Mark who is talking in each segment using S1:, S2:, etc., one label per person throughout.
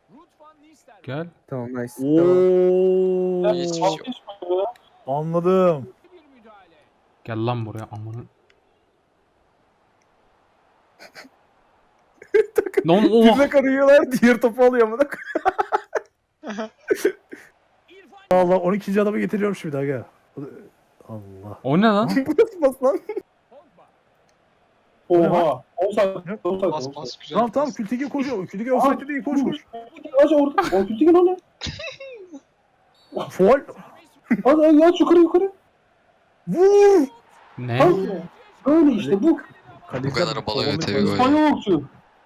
S1: Gel.
S2: Tamam nice. Tamam.
S3: Ooo.
S4: Hiçbir şey yok.
S3: Anladım.
S1: Gel lan buraya amına. Lan
S2: Birine
S1: oh.
S2: karıyorlar diğer topu alıyor amına.
S3: Allah 12. adamı getiriyorum şimdi aga. Allah.
S1: O ne lan?
S2: Bu nasıl bas lan?
S5: Oha. Olsak.
S4: Bas bas güzel.
S3: Tamam tamam
S4: bas.
S3: Kültigi koşuyor. Kültigi offside değil koş koş.
S5: Aç orada. O kötü gel onu.
S3: Foul.
S5: Hadi aç yukarı.
S3: Vur.
S1: Ne?
S5: Hadi. Böyle işte bu.
S4: Bu kadar balıyor tabii böyle.
S5: İspanyolcu.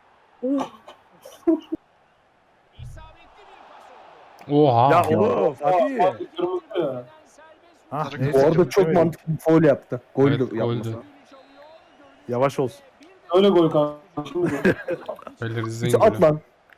S1: Oha.
S3: Ya oğlum Fatih.
S5: Kırmızı ya.
S3: Ha,
S4: Bu
S3: neyse,
S2: Bu arada çok
S3: evet.
S2: mantıklı bir foul yaptı. Gol
S1: Evet,
S2: de
S1: goldü.
S2: yapmasa.
S3: Yavaş olsun.
S5: Öyle gol kanka. Şimdi
S1: Beyler
S2: Hiç
S1: izleyin.
S2: at
S1: böyle.
S2: lan.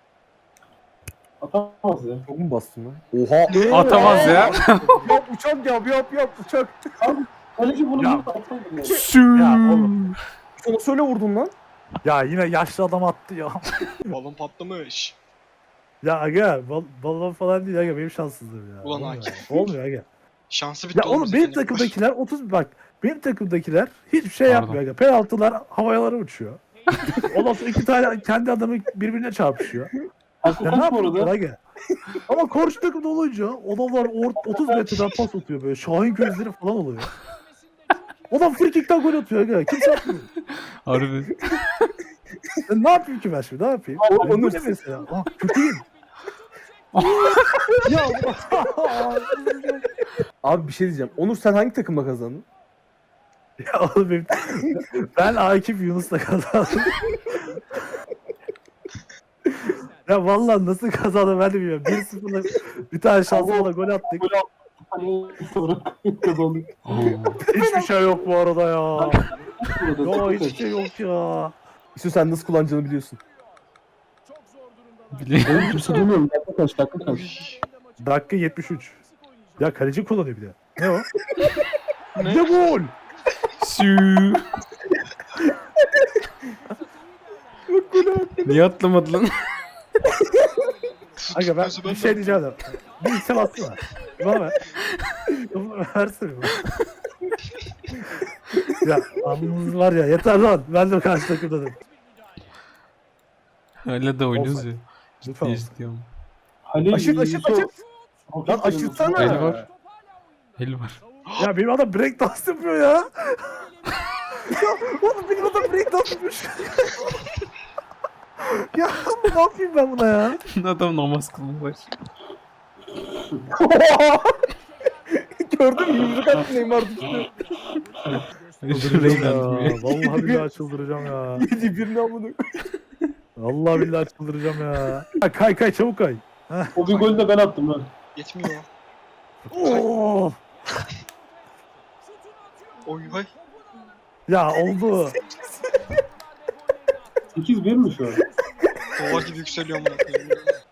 S5: atamaz ya.
S2: Çok mu bastın lan? Oha.
S1: Atamaz ya.
S2: Yap uçak yap uçak.
S5: Kaleci bunu
S3: Ya.
S5: atamaz.
S3: Ya oğlum.
S2: Sana söyle vurdun lan.
S3: Ya yine yaşlı adam attı ya.
S4: Balon patlamış.
S3: Ya aga balon falan değil aga benim şanssızlığım ya.
S4: Ulan
S3: Olmuyor
S4: Akif.
S3: ya. Olmuyor aga.
S4: Şansı bitti
S3: Ya oğlum
S4: bize
S3: benim
S4: seni.
S3: takımdakiler 30 bak. Benim takımdakiler hiçbir şey
S1: Pardon.
S3: yapmıyor aga. Penaltılar havalara uçuyor. Ondan sonra iki tane kendi adamı birbirine çarpışıyor.
S5: Hakkı
S3: Ya ne
S5: kaç bu
S3: yapıyorlar
S5: arada?
S3: aga? Ama karşı takımda olunca adamlar 30 metreden pas atıyor böyle. Şahin gözleri falan oluyor. Adam free kick'ten gol atıyor aga. Kimse atmıyor.
S1: Harbi.
S3: Ya ne yapayım ki ben şimdi? Ne yapayım?
S2: Onur-
S3: Bu ne mesela? Ah, kötüyüm. Ya
S2: Abi bir şey diyeceğim. Onur sen hangi takımla kazandın?
S3: ya oğlum ben Akif Yunus'la kazandım. Ya vallahi nasıl kazandım ben de bilmiyorum. 1-0'la bir tane şansla gol attık.
S5: Hani sonra kazandık.
S3: Hiçbir şey yok bu arada ya.
S5: Burada.
S3: Ya hiçbir şey yok ya.
S2: İşte sen nasıl kullanacağını biliyorsun.
S1: Biliyorum.
S5: Benim kimse duymuyorum. Dakika kaç.
S4: Uy.
S3: Dakika 73. Ya kaleci kullanıyor bir de. Ne o? Ne gol?
S1: Sü. Niye atlamadı lan?
S3: Aga ben
S4: Tutmuyorsa
S3: bir şey diyeceğim de. Bir item atsana. Bana ver. Bana versene bana. Ya anınız var ya yeter lan. Ben de karşı takımdadım.
S1: Hala da oynuyoruz ya.
S3: Lütfen.
S1: Ne istiyorum?
S5: Halil
S2: Aşırt. Lan aşırtsana.
S1: El var. El var.
S3: Ya benim adam break dance yapıyor ya. Ya oğlum benim adam break dance yapmış. Ya ne yapayım ben buna ya?
S1: Adam namaz kılmış.
S2: Gördün mü? Yumruk attı Neymar düştü.
S1: Şurayı
S3: Ya,
S1: da
S3: vallahi billahi çıldıracağım ya.
S2: Yedi birini amına.
S3: Vallahi billahi çıldıracağım ya. Ya kay çabuk kay.
S5: O bir golü de ben attım lan.
S4: Yetmiyor.
S3: Oo.
S4: Oy vay.
S3: Ya oldu.
S5: 8-1 mi şu an?
S4: Dolar gibi yükseliyor amına koyayım.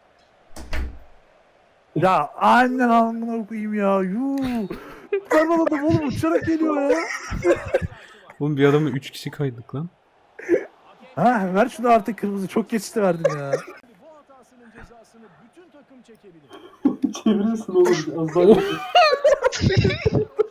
S3: Ya annen alnına koyayım ya. Yuu. Ben adam oğlum uçarak geliyor ya.
S1: Oğlum bir adamı 3 kişi kaydık lan.
S3: Ha ver şunu artık kırmızı çok geçti verdim ya.
S5: Çevirirsin oğlum. Az daha.